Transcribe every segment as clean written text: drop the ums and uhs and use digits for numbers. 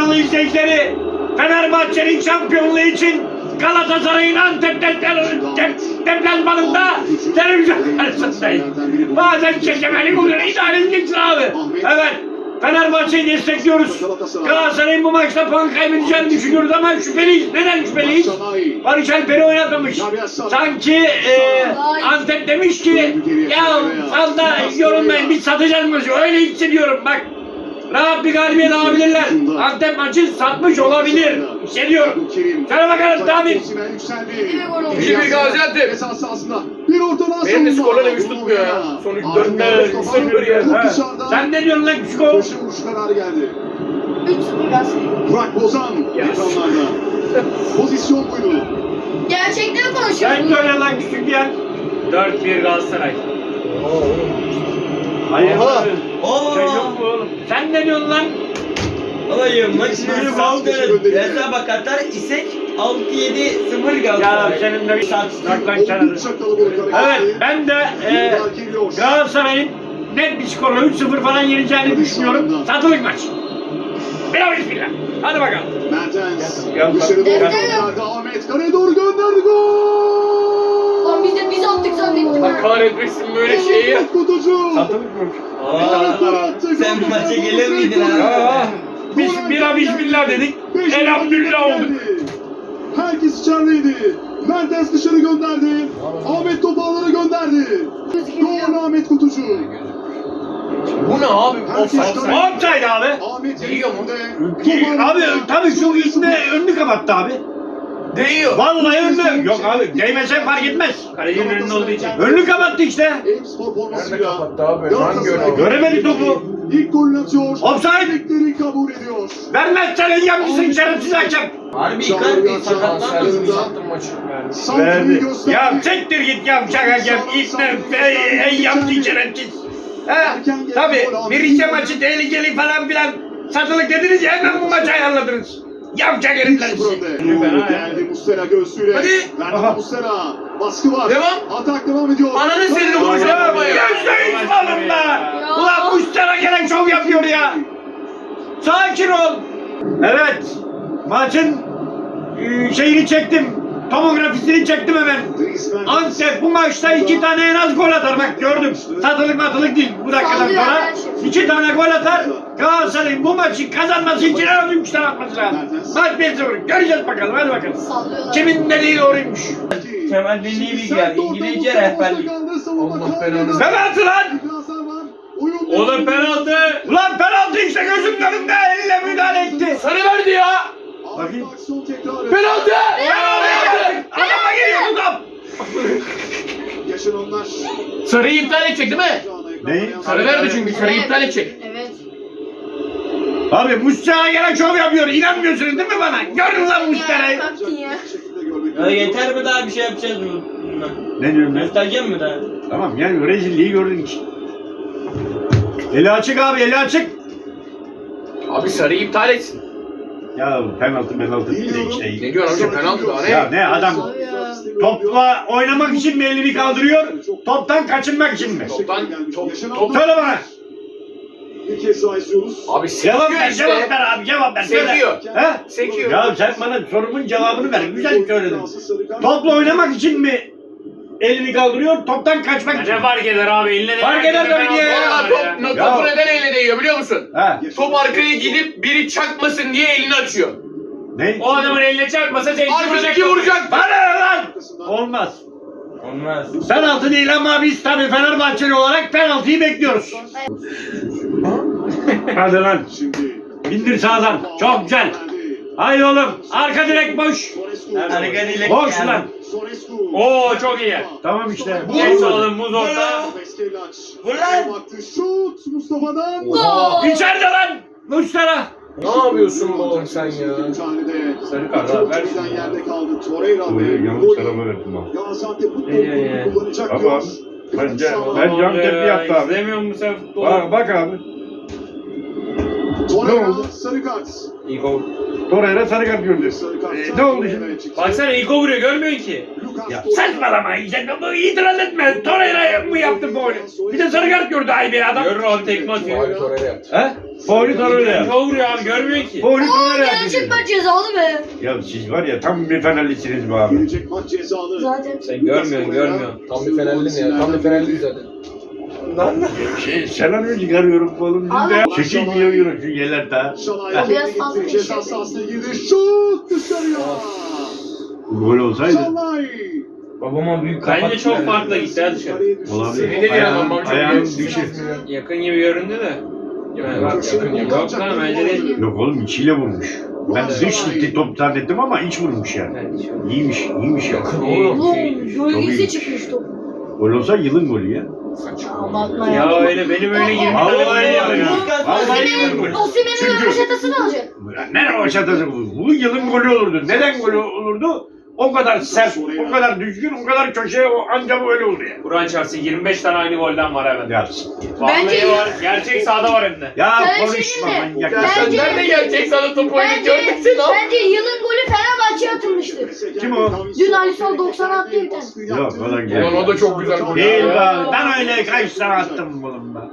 Adanalı izleyicileri, Fenerbahçe'nin şampiyonluğu için Galatasaray'ın Antep deplasmanında televizyon karşısındayım. Bazen çekemelik oluyor, idare edeceksin abi. Evet, Fenerbahçe'yi destekliyoruz. Galatasaray'ın bu maçta puan kaybedeceğini düşünüyoruz ama şüpheliyiz. Neden şüpheliyiz? Barış Alper'i oynatmamış. Sanki Antep demiş ki ya fazla yorulmayın, biz satacağız maçı. Öyle hissediyorum bak. Rahat bir galibiyet alabilirler. Antep maçı satmış olabilir. Hissediyorum. Sana bakalım David. Bir Gaziantep. Bir ortadan Benim de skorlar üç tutmuyor ya. Son 4-0 ya. Sen ne diyorsun lan küçük o? Köşe vuruş kararı geldi. 3-0 Galatasaray. Burak Bozan ekranlarda. Pozisyon buydu. Gerçekleri Sen konuşuyorsun. söyle lan küçük ya. 4-1 Galatasaray. Hayır. Oo. Şey yok mu oğlum? Sen ne diyorsun lan? Olayım maçı İsmail saldırın. Sancı Hesaba katar isek 6-7-0 Ya Galatasaray. senin de bir saklan kenarı. Oldukça kalabalık Evet hareketli. ben de Yıllar geliyor. Galatasaray'ın net bir skorla 3-0 falan yeneceğini düşünüyorum. Satılık maç. Bravo bismillah. Hadi bakalım. Mertens. Gel, Dışarı doğru gel. gönderdi. Ahmet kaleye doğru gönderdi. Gol! Lan biz attık zannettim Allah ha. kahretmesin böyle şeyi. Ahmet Kutucu. Satılık mı? Ahmet gol attı. Sen Gol maça attı. gelir miydin Gol abi? Ya, attı. biz bira bismillah dedik. Elhamdülillah olduk. Herkes içerideydi. Mertens dışarı gönderdi. Ahmet topu alana gönderdi. Gol Ahmet Kutucu. Bu ne abi? Herkes Offside. Offside abi. Ahmet Değiyor mu? Topu Abi tabii şu içinde önünü kapattı abi. Değiyor. Vallahi önünü. Yok abi değmese fark etmez. Kalecinin önünde olduğu için. Önünü kapattı işte. Eyüpspor formasıyla. abi? Galatasaray Göremedi topu. İlk golünü atıyor. Offside. Bekleri kabul ediyor. Vermezsen engelmişsin şerefsiz hakem. Harbi Icardi sakatlanmasın. Sattım maçı. Santri'yi gösterdi. Ya çektir git yavşak hakem. İpler ey yaptı şerefsiz. He tabi bir Rize maçı tehlikeli falan filan satılık dediniz ya hemen bu maçı ayarladınız. Yavşak herifler sizi. Geldi Muslera göğsüyle. Hadi. Verdi Muslera. Baskı var. Devam. Atak devam ediyor. Ananı senin de vuracağım ama ya. %100 malım da. Ulan Mustara gelen şov yapıyor ya. Sakin ol. Evet. Maçın şeyini çektim. Tomografisini çektim hemen. Antep bu maçta 2 tane en az gol atar. Bak gördüm. Satılık matılık değil. Bu dakikadan Sallıyor sonra her şey. 2 tane gol atar. Galatasaray'ın bu maçı kazanması için en az 3 tane atması lazım. Maç 1-0. Göreceğiz bakalım. Hadi bakalım. Sallıyorlar. Kimin dediği doğruymuş. Kemal Dinli'yi bilgiler. İngilizce rehberlik. Allah belanı. Penaltı lan. Oğlum penaltı. Ulan penaltı işte gözümün önünde. Elle müdahale etti. Sarı verdi ya. Bakayım. Penaltı. Adama geliyor bu top. Yaşananlar. Sarıyı iptal edecek değil mi? Ne? Sarı verdi çünkü sarıyı iptal edecek. Evet. Abi Mustara gelen şov yapıyor. İnanmıyorsunuz değil mi bana? Görün lan Mustara'yı. Kalktın ya. Ya yeter mi daha bir şey yapacağız bununla? Ne diyorsun lan? Göstereceğim mi daha? Tamam yani rezilliği gördün ki. Eli açık abi eli açık. Abi sarıyı iptal etsin. Ya penaltı bir de işte. Ne diyorsun amca penaltı daha ne? Ya ne adam topla oynamak için mi elini kaldırıyor? Toptan kaçınmak için mi? Top. Söyle bana. Bir kez daha izliyoruz. Abi Cevap sekiyor ver, işte. cevap ver abi, cevap ver. Söyle. Sekiyor. He? Sekiyor. Ya sen bana sorumun cevabını ver. Güzel söyledin. Topla oynamak için mi elini kaldırıyor? Toptan kaçmak için mi? fark eder abi eline Fark eder tabii ki ya. Valla topu neden eline değiyor biliyor musun? He? Top arkaya gidip biri çakmasın diye elini açıyor. Ne? O adamın eline çarpmasa arkadaki vuracak. Bana ne lan? Olmaz. Olmaz. Penaltı değil ama biz tabii Fenerbahçeli olarak penaltıyı bekliyoruz. Hadi lan. Şimdi İndir sağdan. Çok güzel. Haydi oğlum. Arka direk boş. Arka direk Boş geldi. lan. Oo çok iyi. Tamam işte. Muz oğlum muz orta. Vur lan. Baktı şut Mustafa'dan. Gol. İçeride lan. Mustara. Ne yapıyorsun bu oğlum sen ya? Sarı kart abi ver. Yerde kaldı Torreira ve verdim abi. Gaziantep futbol kulübü kullanacak Ama diyor. bence Galatasaray. ben yan tepki yaptı abi. İzlemiyor musun sen futbolu? Bak abi. Torreira Ne oldu? sarı kart. İko. Torreira sarı kart gördü. Sarı kart. Ne oldu şimdi? Evet, çıktı. Baksana İko vuruyor görmüyorsun ki. Ya saçmalama işte bu itiraz etme. Torreira mı yaptı faulü? Bir de sarı kart gördü ay bir adam. Görür abi tekme atıyor. Faul Torreira yaptı. He? Faulü Torreira yaptı. Çok vuruyor abi görmüyor ki. Faulü Aa Torreira gerçek yaptı. maç cezalı be. Ya siz var ya tam bir Fenerlisiniz bu abi. Gelecek maç cezalı. Zaten. Sen görmüyorsun. Tam bir Fenerli ya. Tam bir Fenerli zaten. Senaryo çıkarıyorum oğlum. Abi. Çekil diyor şu yerler daha. Şalay Biraz fazla gitti. Ceza sahasına girdi. Şut dışarıya. Gol olsaydı. Şalay. Babama büyük kapat. Bence çok farklı gitti hadi dışarı. Olabilir. Seni de bir adam bak, çok Ayağım iyi. düşür. Yakın gibi göründü de. Yakın. Yok lan bence değil. Yok oğlum içiyle vurmuş. Ben dış gitti top zannettim ama iç vurmuş yani. İyiymiş ya. Oğlum. Oğlum gölgesi çıkmış top. Gol olsa yılın golü ya. Abartma ya. Ya öyle benim öyle 20 tane Vallahi golüm ya. var ya. Vallahi yılın golü. Osimhen'in Çünkü- röveşatasını alacak. Ne o şatası bu? Bu yılın golü olurdu. Neden golü olurdu? O kadar sert, o kadar düzgün, o kadar köşeye anca böyle oldu ya. Kur'an çarpsın 25 tane aynı golden var hemen. Ya, Vallahi Bence- var. Gerçek sahada var hem de. ya Sen konuşma şimdi- manyak. Ya sen Bence- nerede gelecek sana top oyunu Bence, gördük seni abi. bence yılın golü Fenerbahçe'ye atılmıştır. Kim o? Dün Alisson 90 attı bir tane. Yok o da güzel. Ulan o da çok güzel gol. Değil ya. be abi. Ben öyle kaç tane attım oğlum ben.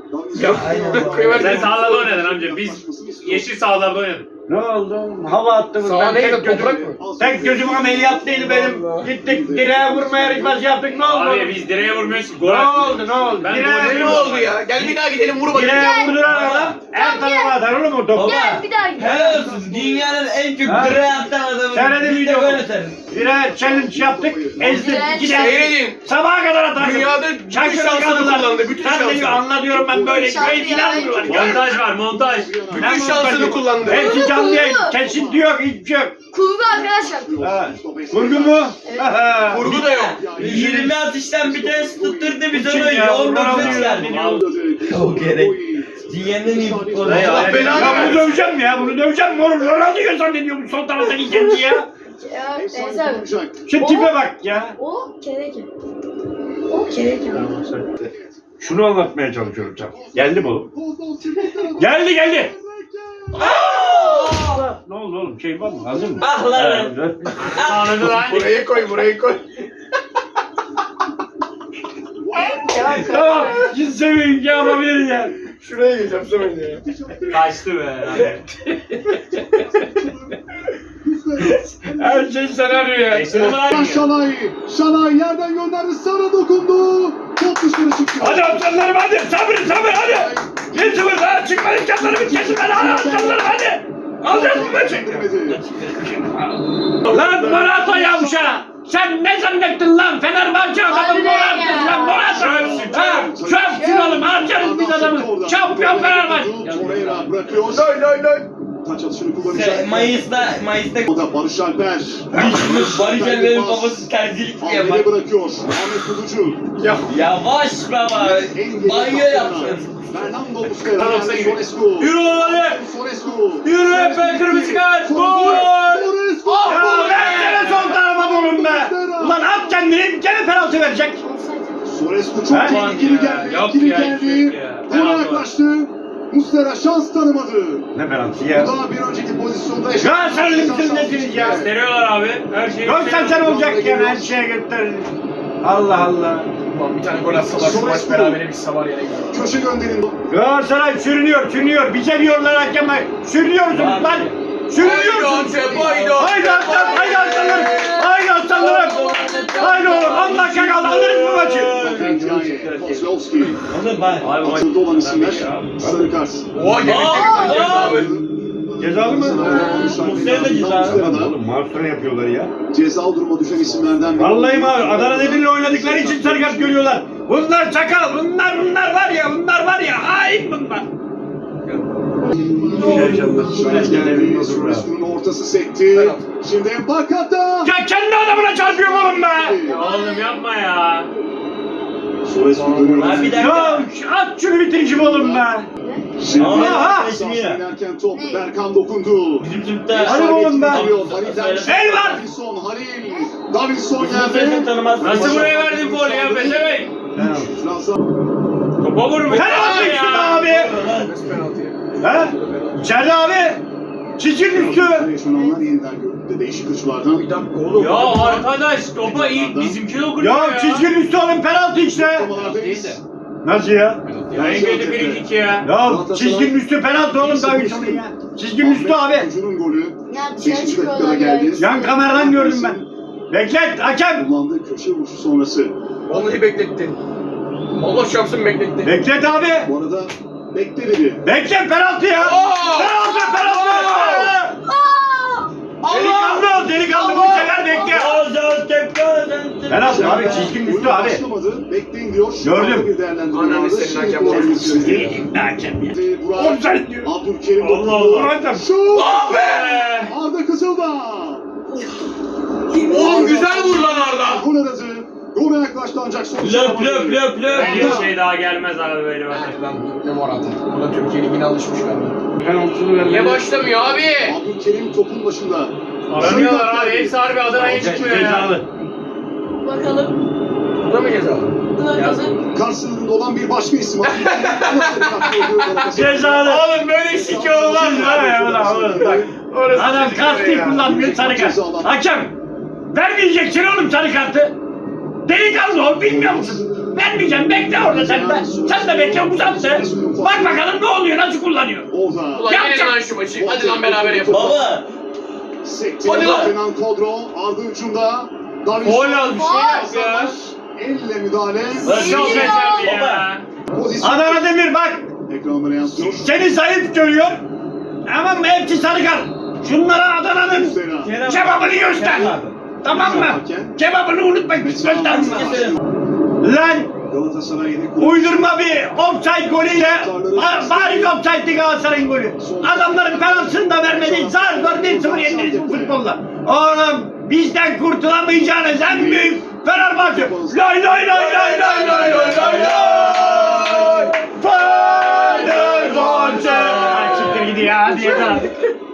Sen sahalarda oynadın amca. Biz yeşil sahalarda oynadık. Ne oldu? Hava attım. Saha neydi, toprak mı? Tek gözüm ameliyat değil benim. Gittik direğe vurma yarışması yaptık. Ne oldu? Abi biz direğe vurmuyoruz ki. Gol Ne atmıyoruz. oldu? Ne oldu? Ben Direğe golcü Ne oldu ya? Gel bir daha gidelim vur bakayım. Direğe vurduran adam her tarafa atar oğlum o topu. Gel bir daha git. Helal olsun. Dünyanın en çok Ha? direğe atan adamı. Seyredin Biz de videomu. gol atarız. Direğe challenge yaptık. Ezdik. Direğe Gider. Seyredin. Sabaha kadar atarız. Dünyada bütün şansını kullandı. Bütün Sen de şansını. anlatıyorum ben böyle. Şarkı Böyle ya, inanmıyorlar. en çok- Montaj var montaj. Bütün şansını kullandı. Hepsi canlı yayın. Kurgu. Kesinti yok. Hiçbir şey yok. Kurgu arkadaşlar. Ha. Vurgu mu? Evet. Aha. Vurgu da yok. 20 atıştan bir tanesi tutturdu biz Kim onu ya? 19 Ronaldo verdik. O gerek. Dünyanın en iyi futbolu. Allah Ya, belanı Ya bunu versin. döveceğim ya. Bunu döveceğim. Morum Ronaldo'yu zannediyorum sol taraftaki genci ya. Ya Enes abi. Şu tipe bak ya. O kereke. O kereke. Şunu anlatmaya çalışıyorum sana. Geldi mi oğlum? Geldi. Ne oldu oğlum? Şey var mı? Hazır mı? Ah lan. Anladı lan. Buraya koy, buraya koy. Tamam. Siz sevin ki yapabiliriz ya. Şuraya geçeceğim sen önce ya. Kaçtı be. Her şey senaryo ya. Şalay yerden gönderdi. Sana dokundu. Top dışarı çıktı. Hadi aslanlarım hadi. Sabır hadi. 1-0 daha çıkmadı. Canlarımı kesin ben. Hadi aslanlarım hadi. Alacağız bu maçı. Lan Morata yavşa! Sen ne zannettin lan? Fenerbahçe adamı Harbiden Morata ya. lan Morata! Ha, çöpsün oğlum harcarız biz adamı! Şampiyon Fenerbahçe! Torreira bırakıyor. Taç atışını kullanacak. Mayıs'ta O da Barış Alper. Barış Alper'in babası terzilik yapar. Ahmet'e bırakıyor. Ahmet Kuducu. Ya. Yavaş baba. Banyo yapsın. Fernando Muslera. Tarafta gibi. Sorescu. Yürü hadi. Sorescu. Yürü hep kırmızı kart. Gol. Sorescu. Ya versene sol tarafa oğlum be! Ulan at kendini gene penaltı verecek! Sorescu çok Ha? tehlikeli geldi. Yok İkili ya, geldi. yok ya. Gole Penaltı yaklaştı. Muslera şans tanımadı. Ne penaltı ya? Daha bir önceki pozisyonda Ya sen limsiz nesiniz ya? Gösteriyorlar abi. Her şeyi Göstersen olacak yani her şeye göster. Allah Allah. Ulan bir tane gol atsalar şu maç berabere bitse var ya. köşe gönderin. Galatasaray sürünüyor. Bize diyorlar hakeme. Sürünüyorsunuz lan. Sürünüyorsunuz. Haydi Haydi aslan, haydi aslanlarım. Haydi aslanlarım. Haydi oğlum 10 dakika kaldı alırız bu maçı. Kozlovski. Oğlum bak. Abi maç. Atıldı olan isimler. Sarı kart. Oha gelecek abi. Cezalı mı? Muslera da cezalı. Oğlum mahsura yapıyorlar ya. Cezalı duruma düşen isimlerden biri. Vallahi mi abi? Adana Demir'le oynadıkları için sarı kart görüyorlar. Bunlar çakal. Bunlar var ya. Hain bunlar. Sorescu'nun ortası sekti. Şimdi Mbakata. Ya kendi adamına çarpıyor oğlum be. Oğlum yapma ya. Sorescu dönüyor. Abi bir Ya dakika. at şunu bitirişim oğlum be. Şimdi Aha! inerken top Berkan dokundu. Bizim Türk'te. Hadi oğlum be. El var. Davinson Sesini geldi. tanımaz. Nasıl buraya verdin golü ya Beşemek? Topa vurmuş. Penaltı işte abi. Nasıl penaltı ya? He? İçeride abi. Çizginin üstü. Yaşananlar yeniden görüldü. Değişik açılardan. Bir dakika oğlum. Ya arkadaş topa iyi bizimki dokunuyor ya. Ya çizginin üstü oğlum penaltı işte. Değil de. Nasıl ya? Ya engeli bir iki ya. Ya çizginin üstü penaltı oğlum daha üç ya. Çizginin üstü abi. Çocuğun golü. Ya dışarı 5. dakikada çıkıyorlar geldi. ya. Yan kameradan gördüm ben. Beklet hakem. Kullandığı köşe vuruşu sonrası. Vallahi beklettin. Allah çarpsın beklettin. Beklet abi. Bu arada bekle dedi. Beklet penaltı ya. Penaltı penaltı. Delikanlı delikanlı bu sefer bekle. Penaltı abi çizginin üstü abi. Başlamadı. Bekleyin diyor. Gördüm. Bir değerlendirme Ananı vardı. senin Şimdi hakem kullanmak çarpsın. istedi. Hakem ya. Burak. Offside diyor. Abdülkerim Allah Allah. Hakem. Şut. Abi! Arda Kızıldağ. Oğlum güzel vur lan Arda. Gol aradı. Gole yaklaştı ancak sonuç alamadı. Bir şey daha gelmez abi böyle bak. Ne Morata. Bu da Türkiye Ligi'ne alışmış galiba. Niye başlamıyor abi? Abdülkerim topun başında. Aramıyorlar abi. Hepsi harbi Adana'ya çıkmıyor ya. Cezalı. Bakalım. Bu da mı cezalı? Bakalım. Karşısında olan bir başka isim. Abdülkerim. Cezalı. Oğlum böyle şike olmaz ya. Orası Adam çocuk kart ya. kullanmıyor sarı kart. Hakem. Vermeyeceksin oğlum sarı kartı. Delikanlı ol bilmiyor musun? Vermeyeceğim bekle orada sen de. Sen de bekle uzattı. Bak bakalım ne oluyor nasıl kullanıyor. Orada. Ulan yenelim lan şu maçı. Hadi lan beraber yapalım. Baba. Sekti. Hadi lan. Kenan Kodro. Arda ucunda. Davinson. Gol al bir şey yap ya. Elle müdahale. Çok yeterli ya. Pozisyon. Adana Demir bak. Ekranlara yansıyor. Seni zayıf görüyor. Ama hepsi sarı kart. Şunlara Adana'nın Zera. kebabını göster. Tamam mı? Kebabını unutma göster. Lan Galatasaray yedek. uydurma bir offside golüyle bari offside'di Galatasaray'ın golü. Adamların penaltısını da vermedi. Zar zor 1-0 yendiniz bu futbolla. Oğlum bizden kurtulamayacağınız en büyük Fenerbahçe. Lay lay lay lay lay lay lay lay lay. Fenerbahçe. Çıktır gidiyor hadi yeter artık.